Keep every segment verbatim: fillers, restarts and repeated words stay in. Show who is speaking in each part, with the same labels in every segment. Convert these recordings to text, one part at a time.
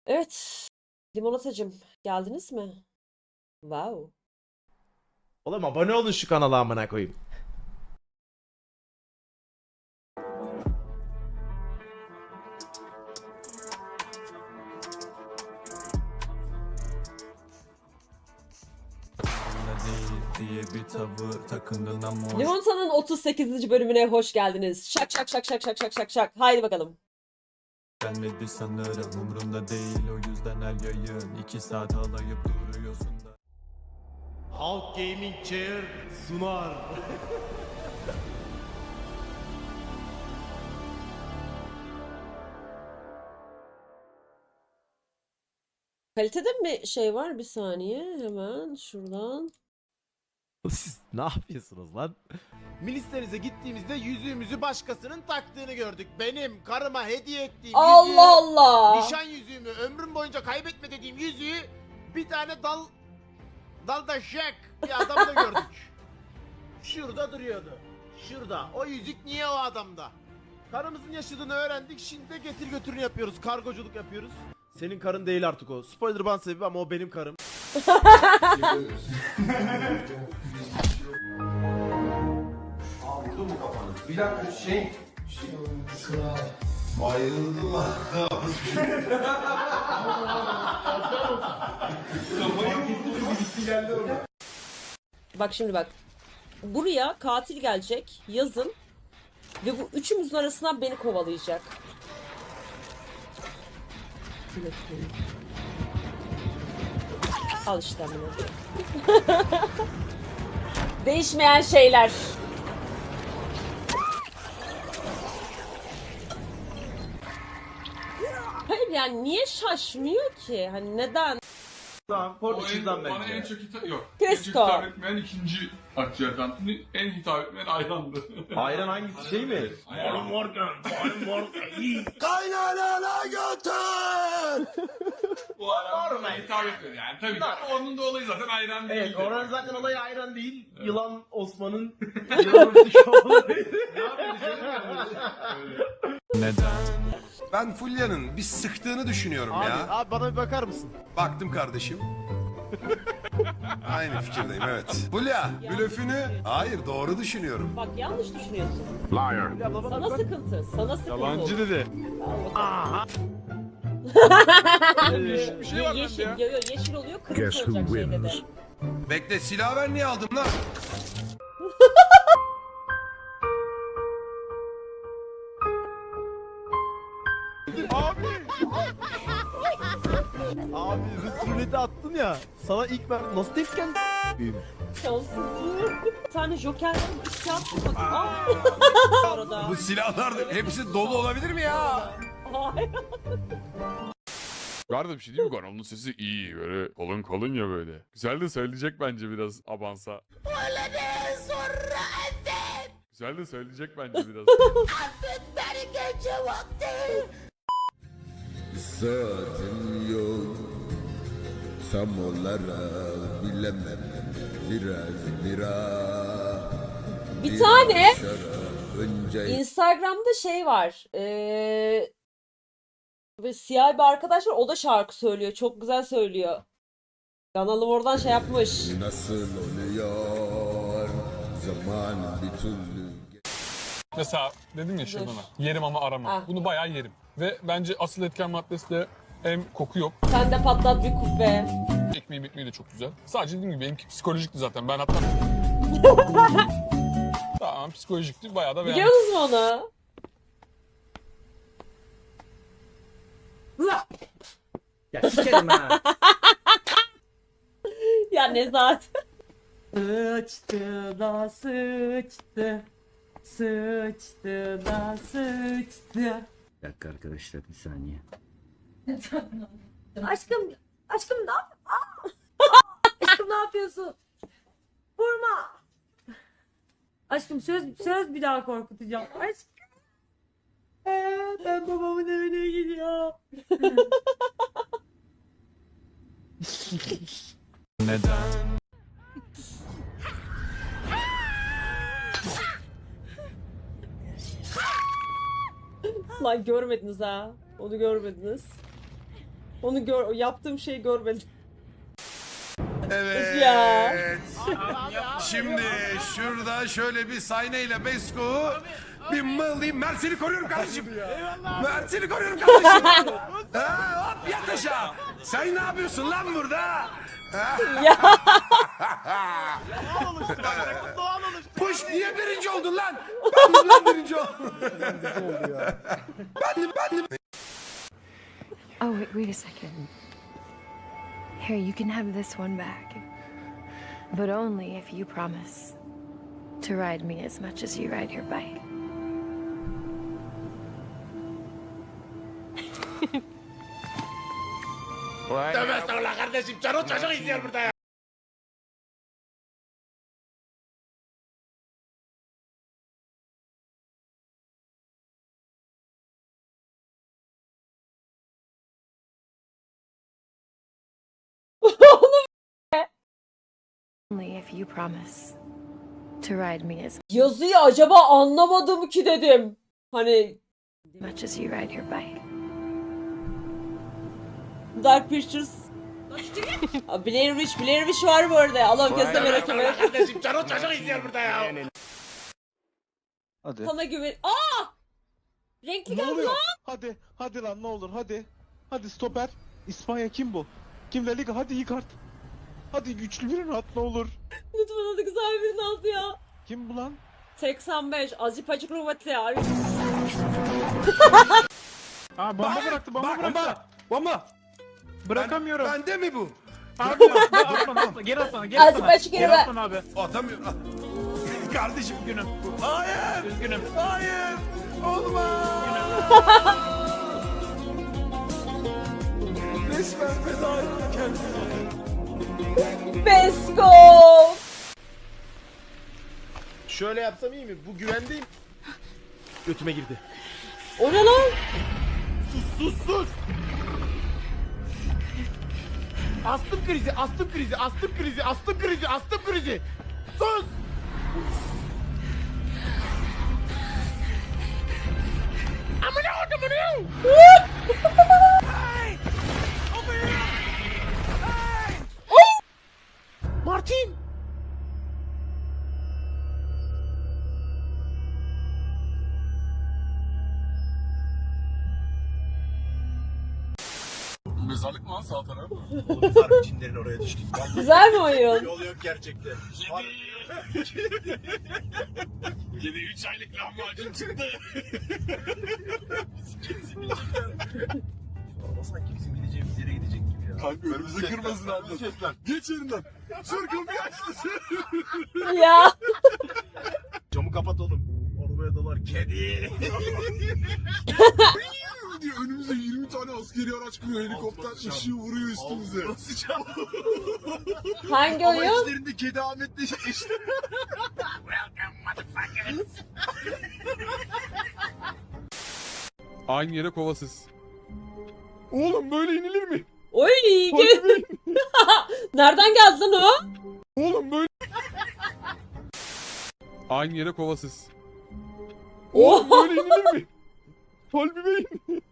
Speaker 1: Evet. Limonatacım, geldiniz mi? Wow.
Speaker 2: Oğlum abone olun şu kanala amına koyayım.
Speaker 3: diye bir tavır takındın ama hoş
Speaker 1: Limonata'nın otuz sekizinci bölümüne hoş geldiniz. Şak şak şak şak şak şak şak şak. Haydi bakalım.
Speaker 3: gelmedi sanırım, umrunda değil o yüzden her yayın iki saat alayıp duruyorsun da.
Speaker 2: Halk Gaming Chair sunar.
Speaker 1: Kalitede mi şey var? Bir saniye. Hemen şuradan.
Speaker 2: Siz ne yapıyorsunuz lan? Milislerinize gittiğimizde yüzüğümüzü başkasının taktığını gördük. Benim karıma hediye ettiğim
Speaker 1: Allah
Speaker 2: yüzüğü,
Speaker 1: Allah.
Speaker 2: nişan yüzüğümü, ömrüm boyunca kaybetme dediğim yüzüğü bir tane dal dalda Jack bir adamda gördük. Şurada duruyordu. Şurada. O yüzük niye o adamda? Karımızın yaşadığını öğrendik. Şimdi de getir götürünü yapıyoruz. Kargoculuk yapıyoruz. Senin karın değil artık o. Spoiler ban sebebi ama o benim karım.
Speaker 4: Aa vurdu mu kafanı? Bir dakika şey... Şey... Kral. Bayıldılar.
Speaker 1: Bak şimdi bak. Buraya katil gelecek yazın ve bu üçümüzün arasından beni kovalayacak. Al işte bunu. Değişmeyen şeyler. Hayır yani niye şaşmıyor ki? Hani neden?
Speaker 2: Tamam,
Speaker 5: O en,
Speaker 2: Portekiz'den
Speaker 5: bana en
Speaker 2: bence.
Speaker 5: çok hitap yok. En çok
Speaker 1: Cresco.
Speaker 5: hitap etmeyen ikinci akciğer tantuni, en hitap etmeyen ayrandı.
Speaker 2: Ayran hangisi şey mi?
Speaker 5: Ayran.
Speaker 4: Kaynanana götür!
Speaker 5: Bu ayran bana hitap etmedi yani. Tabii ki onun da olayı zaten ayran değil.
Speaker 2: Evet, oranın zaten olayı ayran değil. Yılan Osman'ın yılanın şovu.
Speaker 3: Neden?
Speaker 4: Ben Fulya'nın bir sıktığını düşünüyorum
Speaker 2: Abi,
Speaker 4: ya.
Speaker 2: abi bana bir bakar mısın?
Speaker 4: Baktım kardeşim. Aynı fikirdeyim evet. Fulya, blöfünü... Hayır doğru düşünüyorum.
Speaker 1: Bak yanlış düşünüyorsun.
Speaker 4: Liar.
Speaker 2: Fulya abla bana
Speaker 1: Sana
Speaker 2: bir bak.
Speaker 1: sıkıntı. Sana sıkıntı.
Speaker 2: Yalancı dedi.
Speaker 1: Aha.
Speaker 5: Yeşil bir şey var bende
Speaker 1: yeşil,
Speaker 5: ya.
Speaker 1: yo, yo, yeşil oluyor, kırmızı olacak şey dedi.
Speaker 4: Bekle silah ben niye aldım lan?
Speaker 2: Abi. Abi Rus ruleti attın ya. Sana ilk ben nasıl tepki geldi?
Speaker 1: Şanssızlığı. Bir tane joker var, üç kağıt bak. Aa! Orada.
Speaker 4: Bu silahlar da hepsi dolu olabilir mi ya?
Speaker 1: Hayır.
Speaker 5: Var da bir şey değil mi? Onun sesi iyi. Böyle kalın kalın ya böyle. Güzel de söyleyecek bence biraz abansa. Öyle de sonra evet. Güzel de söyleyecek bence biraz.
Speaker 6: Saatim yok tam olarak bilemem biraz biraz
Speaker 1: Bir tane
Speaker 6: şarap önce
Speaker 1: Instagram'da şey var. Ee, ve siyah bir arkadaş var. O da şarkı söylüyor. Çok güzel söylüyor. Kanalım oradan şey yapmış.
Speaker 6: nasıl oluyor zaman bir türlü
Speaker 5: Mesela dedim ya şey
Speaker 1: Dur.
Speaker 5: bana. Yerim ama arama.
Speaker 1: Ah.
Speaker 5: Bunu bayağı yerim. Ve bence asıl etken maddesi de hem koku yok.
Speaker 1: Sen de patlat bir kubbe.
Speaker 5: Ekmeği ekmeği de çok güzel. Sadece dediğim gibi benimki psikolojikti zaten. Ben hatta... Tamam psikolojikti. Bayağı da beğendim.
Speaker 1: Biliyor musun onu?
Speaker 7: Ya sikerim ha.
Speaker 1: Ya ne zaten.
Speaker 7: Sıçtı da sıçtı. Sıçtı da sıçtı. Bir dakika arkadaşlar bir saniye.
Speaker 8: Aşkım, aşkım ne yap? Aa! Aşkım ne yapıyorsun? Vurma. Aşkım söz söz bir daha korkutacağım. Aşkım. Ee, ben babamın evine gidiyorum.
Speaker 3: Neden?
Speaker 1: Lan görmediniz ha. Onu görmediniz. Onu gör, yaptığım şeyi görmedim.
Speaker 4: Evet.
Speaker 1: Ya.
Speaker 4: Şimdi şurada şöyle bir sahneyle Besko bir mıldayım. Mert seni koruyorum kardeşim. Mert seni koruyorum kardeşim. ha, hop yat aşağı. Sen ne yapıyorsun lan burada?
Speaker 1: Ya.
Speaker 2: Doğal oluştu bak. Bu doğal oluştu.
Speaker 4: Puş niye birinci oldun lan? Ben de lan birinci oldum. ben de ben de.
Speaker 9: Oh, wait, wait a second. Here, you can have this one back. But only if you promise to ride me as much as you ride your bike.
Speaker 2: Tövbe estağfurullah kardeşim. Çarı çocuk izliyor burada ya.
Speaker 9: Only if you promise to ride me as
Speaker 1: Yazıyı acaba anlamadım ki dedim. Hani
Speaker 9: much as you ride your bike.
Speaker 1: Dark Pictures. Aa, Blair Witch, Blair Witch var bu arada. Allah kesme
Speaker 2: Tövbe
Speaker 1: merak
Speaker 2: estağfurullah
Speaker 1: etme.
Speaker 2: kardeşim. Çarı çocuk izliyor burada ya.
Speaker 10: Hadi.
Speaker 1: Sana güven. Aa! Renkli
Speaker 10: Ne
Speaker 1: geldi
Speaker 10: oluyor?
Speaker 1: lan.
Speaker 10: Hadi, hadi lan ne olur hadi. Hadi stoper. İspanya kim bu? Kim La Liga? Hadi yıkart. Hadi güçlü birini at ne olur.
Speaker 1: Lütfen hadi güzel birini al ya.
Speaker 10: Kim bu lan?
Speaker 1: seksen beş. Azıcık acık kuvvetli ya.
Speaker 10: Aa bomba bıraktı bomba
Speaker 4: Bak,
Speaker 10: bıraktı.
Speaker 4: bomba.
Speaker 10: Bomba. Bırakamıyorum.
Speaker 4: Ben, bende mi bu?
Speaker 10: Abi atma atma geri atsana geri
Speaker 1: Azıcık
Speaker 10: atsana.
Speaker 1: açık yere ver.
Speaker 10: atsana abi.
Speaker 4: Atamıyorum. Ah. Kardeşim
Speaker 10: Üzgünüm.
Speaker 4: hayır.
Speaker 10: Üzgünüm.
Speaker 4: Hayır. Olmaz. Resmen feda etti kendini.
Speaker 1: Besko.
Speaker 2: Şöyle yapsam iyi mi? Bu güvendeyim. Götüme girdi.
Speaker 1: O ne lan?
Speaker 2: Sus sus sus. Astım krizi, astım krizi, astım krizi, astım krizi, astım krizi. Sus. Amına koydum bunu. Martin.
Speaker 3: Mezarlık mı lan sağ taraf?
Speaker 2: Oğlum sarı cinlerin oraya düştük.
Speaker 1: Güzel mi oyun?
Speaker 2: Yol yok gerçekten.
Speaker 5: Yedi üç aylık lahmacun çıktı.
Speaker 2: Ama sanki bizim gideceğimiz yere gidecek gibi ya.
Speaker 3: Kanka önümüzü kırmasın abi. Geç yerinden. Sür kapıyı açtı.
Speaker 1: Ya.
Speaker 2: Camı kapat oğlum. Arabaya dolar kedi.
Speaker 3: diye önümüze yirmi tane askeri araç kuruyor. Helikopter ışığı vuruyor üstümüze.
Speaker 2: Basacağım.
Speaker 1: Hangi
Speaker 2: Ama
Speaker 1: oyun?
Speaker 2: içlerinde kedi Ahmet'le işte. Welcome motherfuckers.
Speaker 5: Aynı yere kovasız. Oğlum böyle inilir mi?
Speaker 1: Oy gel. Nereden geldi lan o?
Speaker 5: Oğlum böyle... Aynı yere kovasız.
Speaker 1: Oha.
Speaker 5: Oğlum böyle inilir mi? Kalbime in.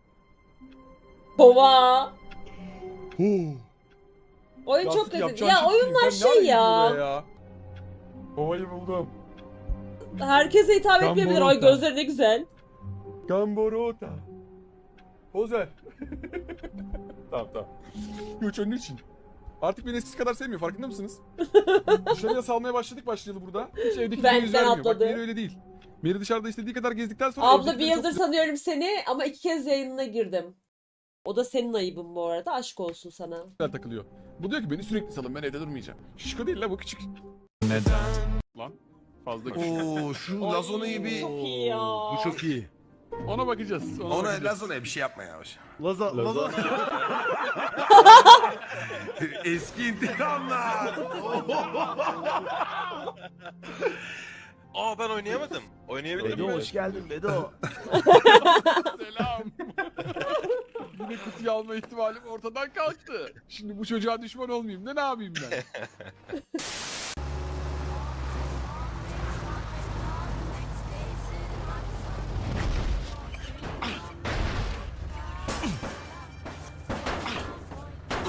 Speaker 1: Kova.
Speaker 5: Oo.
Speaker 1: Oyun çok
Speaker 5: Yasin,
Speaker 1: kötü.
Speaker 5: yapacağın
Speaker 1: Ya
Speaker 5: şey değil.
Speaker 1: oyunlar
Speaker 5: Sen ne
Speaker 1: şey ya.
Speaker 5: arıyorsun burada ya. Kovayı buldum.
Speaker 1: Herkese hitap
Speaker 5: Tam
Speaker 1: etmeyebilir.
Speaker 5: bu
Speaker 1: Ay
Speaker 5: nokta.
Speaker 1: gözleri ne güzel.
Speaker 5: Gamborota. Poz ver. Tamam tamam. Göç önün için. Artık beni eskisi kadar sevmiyor, farkında mısınız? Dışarıya salmaya başladık başlayalı burada. Hiç evdeki
Speaker 1: Benden
Speaker 5: yüz vermiyor. Bak
Speaker 1: atladı.
Speaker 5: Meri öyle değil. Meri dışarıda istediği kadar gezdikten sonra...
Speaker 1: Abla bir
Speaker 5: evdekileri çok
Speaker 1: yıldır tanıyorum seni ama iki kez yayınına girdim. O da senin ayıbın bu arada. Aşk olsun sana.
Speaker 5: güzel takılıyor. Bu diyor ki beni sürekli salın, ben evde durmayacağım. Şişko değil la, bu küçük. Neden? Lan fazla küçük.
Speaker 4: Oo şu Lazona'yı bir...
Speaker 1: Çok iyi ya.
Speaker 4: Bu çok iyi.
Speaker 5: Ona bakacağız. Ona,
Speaker 4: Ona
Speaker 5: bakacağız.
Speaker 4: Lazona'ya bir şey yapma yavaş.
Speaker 2: Laza, Laza.
Speaker 4: Eski intikamlar.
Speaker 11: Aa ben oynayamadım. Oynayabilir
Speaker 2: Bedo
Speaker 11: miyim?
Speaker 2: hoş geldin Bedo.
Speaker 5: Selam. Yine kutuyu alma ihtimalim ortadan kalktı. Şimdi bu çocuğa düşman olmayayım da ne yapayım ben?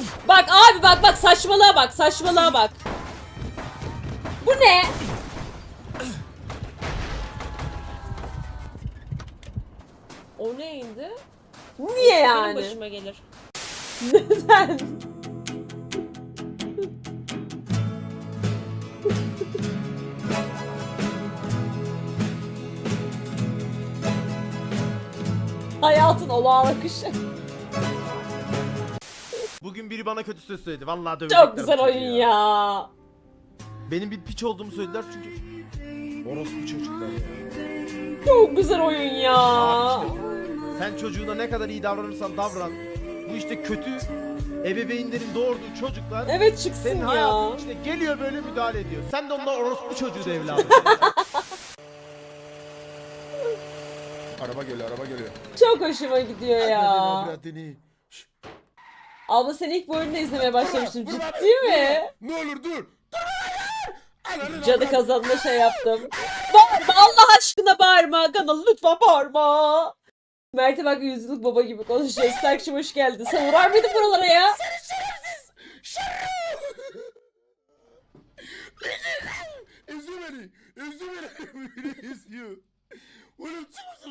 Speaker 1: Bak abi bak bak saçmalığa bak saçmalığa bak. Bu ne? O neydi? Niye yani? Benim başıma gelir. Neden? Hayatın olağan akışı.
Speaker 2: Bugün biri bana kötü söz söyledi. Vallahi dövecekler.
Speaker 1: Çok güzel
Speaker 2: bu çocuğu
Speaker 1: oyun ya.
Speaker 2: Benim bir piç olduğumu söylediler çünkü. Orospu çocuklar ya.
Speaker 1: Çok güzel oyun ya.
Speaker 2: Abi işte, sen çocuğuna ne kadar iyi davranırsan davran. Bu işte kötü ebeveynlerin doğurduğu çocuklar
Speaker 1: Evet çıksın
Speaker 2: senin
Speaker 1: ya.
Speaker 2: hayatın içine geliyor böyle müdahale ediyor. Sen de onlar orospu çocuğu da evladım.
Speaker 6: Araba geliyor, araba geliyor.
Speaker 1: Çok hoşuma gidiyor ya.
Speaker 6: Avradını.
Speaker 1: Abla sen ilk bu oyunu izlemeye başlamıştın. Ciddi mi?
Speaker 6: Ne olur dur.
Speaker 1: Cadı kazanma şey yaptım. Bağırma Allah aşkına bağırma. Kanalı lütfen bağırma. Mert'e bak yüzlük baba gibi konuşuyor. Stark'cığım hoş geldin. Sen uğrar mıydın buralara ya?
Speaker 6: Seni şerefsiz. Üzü beni. Üzü beni. Beni üzüyor. Oğlum çıkmışsın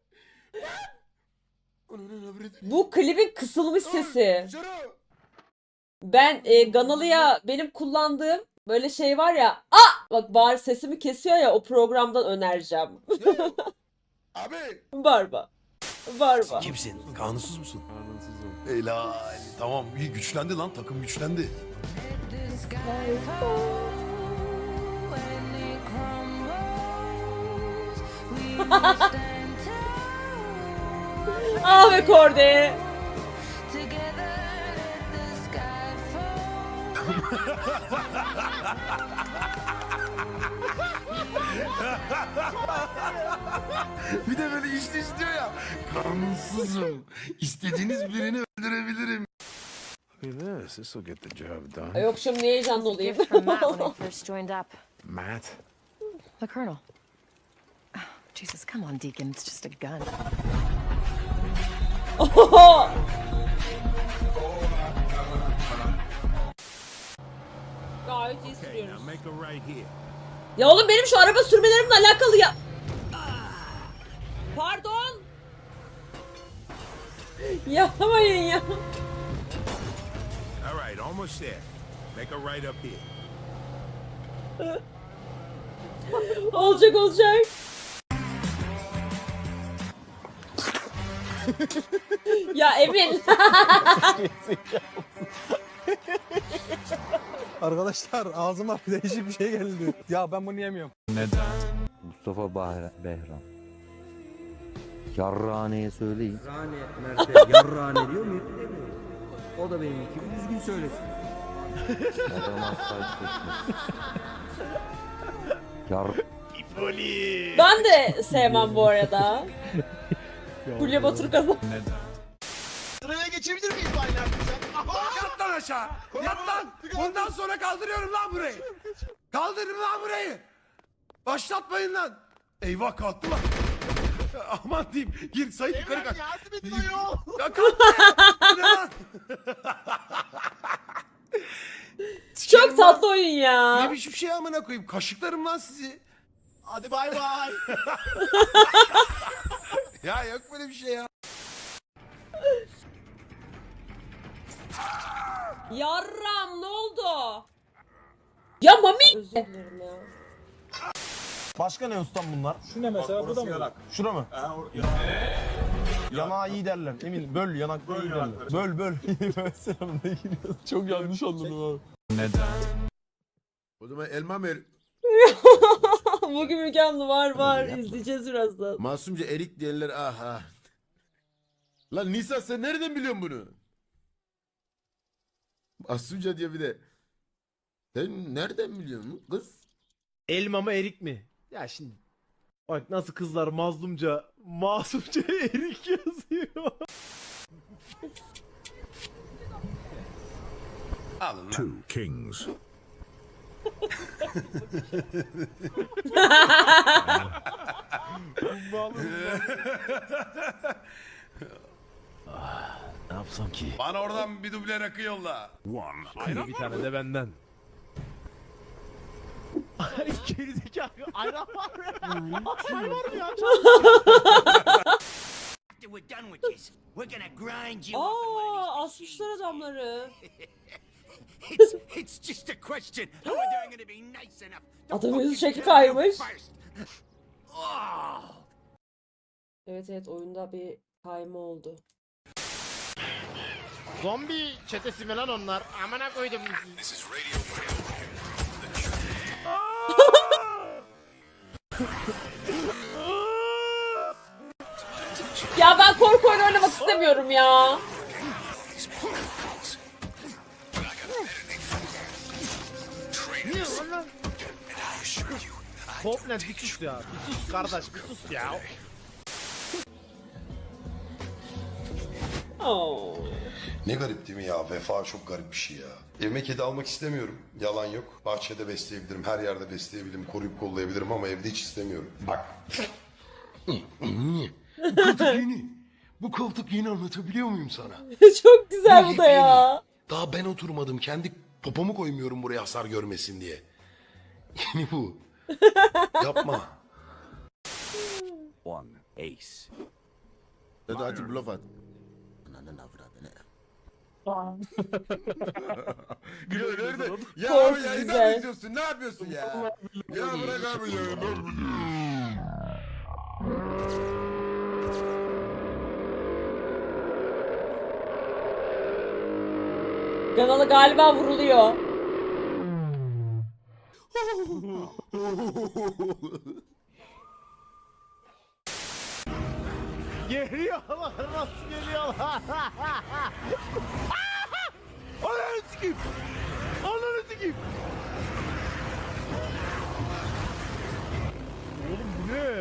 Speaker 6: lan.
Speaker 1: Bu klibin kısılmış sesi. Ben e, Ganalı'ya benim kullandığım böyle şey var ya. Aa! Bak bağır sesimi kesiyor ya o programdan önereceğim.
Speaker 6: Abi.
Speaker 1: Bağırma. Bağırma.
Speaker 4: Kimsin? Kanunsuz musun?
Speaker 5: Kanunsuzum.
Speaker 4: Helal. Tamam iyi güçlendi lan takım güçlendi.
Speaker 1: Ah be Kordi.
Speaker 4: Bir de böyle işte istiyor ya. Kanunsuzum. İstediğiniz birini öldürebilirim. This, this will get the job done.
Speaker 1: Yok şimdi niye heyecanlı olayım?
Speaker 9: Gift from Matt when I first joined up.
Speaker 4: Matt.
Speaker 9: The Colonel. Oh, Jesus, come on, Deacon. It's just a gun.
Speaker 1: Oho! Gayet iyi sürüyoruz. Ya oğlum benim şu araba sürmelerimle alakalı ya. Pardon. Yapmayın ya.
Speaker 4: All right, almost there. Make a right up here.
Speaker 1: Olacak olacak. Ya Emin.
Speaker 10: Arkadaşlar ağzıma değişik bir şey geldi. Ya ben bunu yemiyorum.
Speaker 3: Neden?
Speaker 7: Mustafa Bahra Behram. Yarrane'ye söyleyin. Yarrane, Mert'e yarrane diyor mu? O da benim gibi düzgün söylesin. Adam asla çekmez. Yar...
Speaker 1: Ben de sevmem bu arada. Fulya Batur kazan.
Speaker 3: Neden?
Speaker 2: Sıraya geçebilir miyiz aynı arkadaşlar?
Speaker 4: Yat lan aşağı. Yat lan. Bundan sonra kaldırıyorum lan burayı. Kaldırın lan burayı. Başlatmayın lan. Eyvah kalktı lan. Aman diyeyim. Gir Sait yukarı kaç.
Speaker 2: Yardım edin ayol.
Speaker 4: Ya kalktı ya. Bu ne lan?
Speaker 1: Çok tatlı oyun ya.
Speaker 4: Ne biçim şey amına koyayım. Kaşıklarım lan sizi.
Speaker 2: Hadi bay bay.
Speaker 4: Ya yok böyle bir şey ya.
Speaker 1: Yarram ne oldu? Ya Mami. Özür dilerim ya.
Speaker 2: Başka ne ustam bunlar?
Speaker 10: Şu ne mesela? Bu da mı?
Speaker 2: Şura mı? Yanağı iyi derler. Emin böl yanak böl iyi derler. Böl böl. Selam ne giriyorsun?
Speaker 5: Çok yanlış anladım abi.
Speaker 3: Neden?
Speaker 6: O zaman elma ver.
Speaker 1: Bugün mükemmel var var. İzleyeceğiz birazdan.
Speaker 6: Masumca erik diyenler aha. Lan Nisa sen nereden biliyorsun bunu? Masumca diyor bir de. Sen nereden biliyorsun kız?
Speaker 2: Elma mı erik mi? Ya şimdi bak nasıl kızlar mazlumca, masumca erik yazıyor.
Speaker 4: Alın lan.
Speaker 12: Two kings.
Speaker 10: Ne
Speaker 6: yapsam ki?
Speaker 4: Bana oradan bir duble rakı yolla.
Speaker 6: Bir tane de benden.
Speaker 2: Gerizekalı ayran var mı? Ayran var mı ya?
Speaker 1: Aa, asmışlar adamları. Adamın yüzü şekli kaymış. Evet evet, oyunda bir kayma oldu.
Speaker 2: Zombi çetesi mi lan onlar? Amına koydum.
Speaker 1: Ya ben korku oyunu oynamak istemiyorum ya.
Speaker 2: Niye lan? Hopland bir sus ya. Bir sus kardeş bir sus ya.
Speaker 1: Oo.
Speaker 12: Ne garip değil mi ya? Vefa çok garip bir şey ya. Evime kedi almak istemiyorum. Yalan yok. Bahçede besleyebilirim, her yerde besleyebilirim, koruyup kollayabilirim ama evde hiç istemiyorum. Bak. Bu koltuk yeni. Bu koltuk yeni, anlatabiliyor muyum sana?
Speaker 1: Çok güzel bu da ya.
Speaker 12: Daha ben oturmadım. Kendi popomu koymuyorum buraya hasar görmesin diye. Yeni bu. Yapma.
Speaker 6: One ace. Hadi hadi bluff at.
Speaker 12: Gülüyor nerede? Ya
Speaker 1: Çok
Speaker 12: abi ya
Speaker 1: güzel.
Speaker 12: neden izliyorsun? Ne yapıyorsun ya? Ya bırak abi ya.
Speaker 1: Ganalı galiba vuruluyor.
Speaker 2: Geliyorlar nasıl geliyorlar? Ananı sikeyim. Ananı sikeyim. Oğlum bu ne?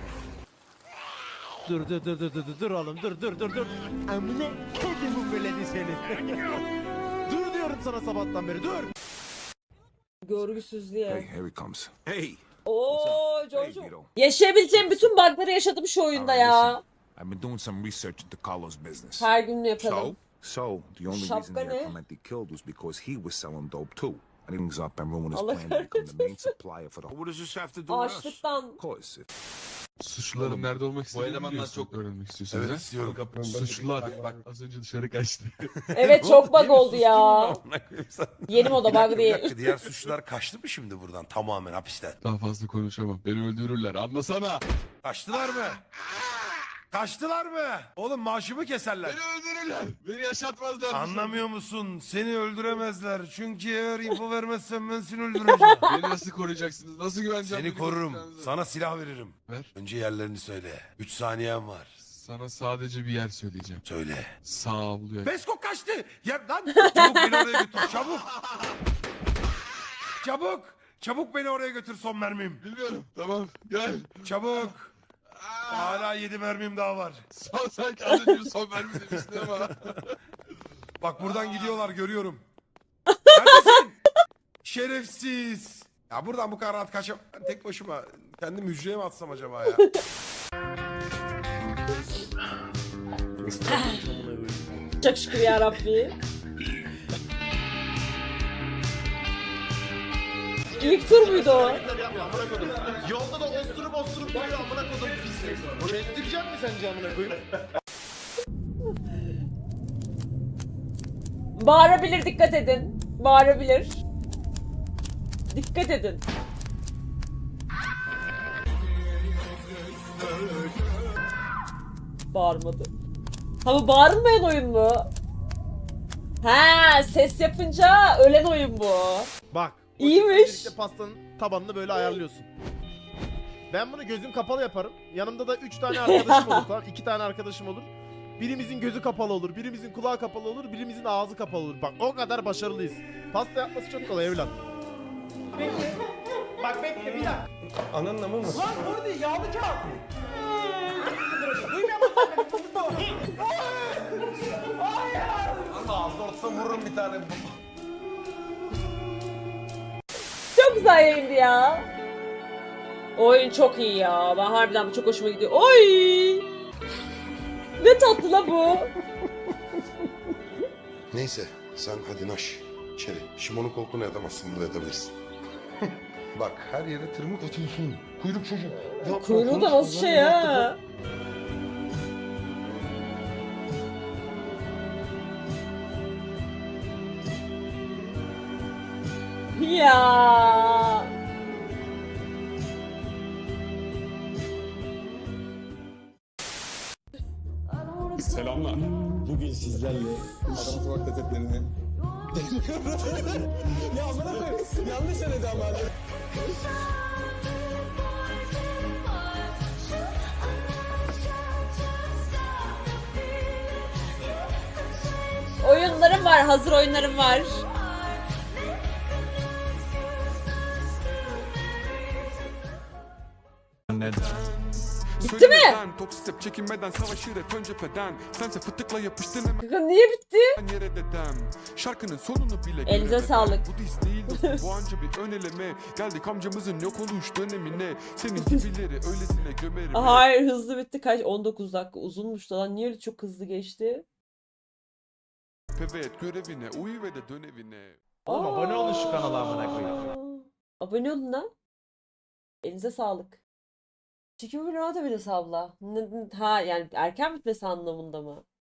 Speaker 2: Dur dur dur dur dur dur oğlum dur dur dur dur. Amına kedimin beledi seni. Dur diyorum sana sabahtan beri dur.
Speaker 1: Görgüsüzlüğe.
Speaker 6: Here he comes. Hey.
Speaker 1: Oo, Jojo. Yaşayabileceğim bütün bug'ları yaşadım şu oyunda ya.
Speaker 6: I've been doing some research into Carlos' business.
Speaker 1: Her gün yapalım.
Speaker 6: So, the only
Speaker 1: Şapka
Speaker 6: reason he
Speaker 1: ne?
Speaker 6: had Clemente killed was because he was selling dope too. And he was up and ruining his
Speaker 1: Allah
Speaker 6: plan to become the main supplier for the.
Speaker 12: What does this have to do with us?
Speaker 1: Açlıktan.
Speaker 6: Of course. If
Speaker 5: Suçluların nerede olmak istediğini
Speaker 11: elemanlar
Speaker 5: biliyorsun,
Speaker 11: çok-
Speaker 5: öğrenmek istiyorsunuz.
Speaker 12: Evet
Speaker 5: ha?
Speaker 12: istiyorum.
Speaker 5: Suçlular bak az önce dışarı kaçtı.
Speaker 1: Evet çok bug oldu ya.
Speaker 12: Amına koyayım sen.
Speaker 1: Yeni moda
Speaker 12: Bir dakika,
Speaker 1: bug
Speaker 12: bir
Speaker 1: değil.
Speaker 12: dakika. Diğer suçlular kaçtı mı şimdi buradan tamamen hapisten?
Speaker 5: Daha fazla konuşamam. Beni öldürürler. Anlasana.
Speaker 4: Kaçtılar mı? Kaçtılar mı? Oğlum maaşımı keserler.
Speaker 5: Beni öldürürler. Beni yaşatmazlar.
Speaker 4: Anlamıyor musun? Seni öldüremezler. Çünkü eğer info vermezsen ben seni öldüreceğim.
Speaker 5: Beni nasıl koruyacaksınız? Nasıl güveneceğim?
Speaker 4: Seni
Speaker 5: beni
Speaker 4: korurum.
Speaker 5: koruyacağınıza?
Speaker 4: Sana silah veririm.
Speaker 5: Ver.
Speaker 4: Önce yerlerini söyle. Üç saniyen var.
Speaker 5: Sana sadece bir yer söyleyeceğim.
Speaker 4: Söyle.
Speaker 5: Sağ avluya.
Speaker 4: Besko kaçtı. Ya lan çabuk beni oraya götür. Çabuk. Çabuk. Çabuk beni oraya götür son mermim.
Speaker 5: Bilmiyorum. Tamam. Gel.
Speaker 4: Çabuk. Hala yedi mermim daha var.
Speaker 5: Son sanki az önce son vermi demiştin ama.
Speaker 4: Bak buradan gidiyorlar görüyorum. Neredesin? Şerefsiz. Ya buradan bu kadar rahat kaçam... Ben tek başıma kendim hücreye mi atsam acaba ya?
Speaker 1: Çok şükür ya Rabbi. İlk tur muydu o?
Speaker 2: Amına koydum. Yolda da osturup osturup duruyor amına koydum. Bestireceğim mi sence amına koyayım?
Speaker 1: Bağırabilir, dikkat edin. Bağırabilir. Dikkat edin. Bağırmadı. Ha bu bağırmayan oyun mu? Ha, ses yapınca ölen oyun bu.
Speaker 2: Bak.
Speaker 1: İyiymiş.
Speaker 2: İşte pastanın tabanını böyle ayarlıyorsun. Ben bunu gözüm kapalı yaparım. Yanımda da üç tane arkadaşım olur tamam. iki tane arkadaşım olur. Birimizin gözü kapalı olur, birimizin kulağı kapalı olur, birimizin ağzı kapalı olur. Bak o kadar başarılıyız. Pasta yapması çok kolay evlat. Bekle. Bak bekle bir dakika.
Speaker 10: Ananın amı mı?
Speaker 2: Lan burada değil, yağlı kağıt. Duymuyor musun? Hayır.
Speaker 10: Ağzına ortasına vururum bir tane.
Speaker 1: Çok güzel yayındı ya. Oyun çok iyi ya. Ben harbiden bu çok hoşuma gidiyor. Oy! Ne tatlı la bu.
Speaker 12: Neyse sen hadi naş içeri. Şimon'un koltuğuna yatamazsın, burada yatabilirsin. Bak her yere tırmık atıyorsun. Kuyruk çocuk. Yapma,
Speaker 1: Kuyruğu da
Speaker 12: konuşma,
Speaker 1: nasıl şey
Speaker 12: ben yaptım.
Speaker 1: ha? Ya.
Speaker 5: Selamlar. Bugün sizlerle Adana Sokak lezzetlerini ya amına koyayım. Yanlış söyledi ama.
Speaker 1: Oyunlarım var, hazır oyunlarım var. Bitti mi?
Speaker 5: Toksik çekinmeden savaşır hep ön cepheden. Sense fıtıkla yapıştın hemen
Speaker 1: Kanka niye bitti?
Speaker 5: yere dedem. Şarkının sonunu bile
Speaker 1: Elinize
Speaker 5: göremeden.
Speaker 1: sağlık.
Speaker 5: Bu diz değil dostum, bu anca bir ön eleme. Geldik amcamızın yok oluş dönemine. Senin gibileri öylesine gömerim.
Speaker 1: Hayır, hızlı bitti. Kaç? on dokuz dakika uzunmuş da lan. Niye öyle çok hızlı geçti?
Speaker 5: Evet görevine uyu ve de dön evine.
Speaker 2: Oğlum abone olun şu kanala amına koyayım.
Speaker 1: Aa, abone olun lan. Elinize sağlık. Çekim bir rahat abone abla. N- n- Ha yani erken bitmesi anlamında mı?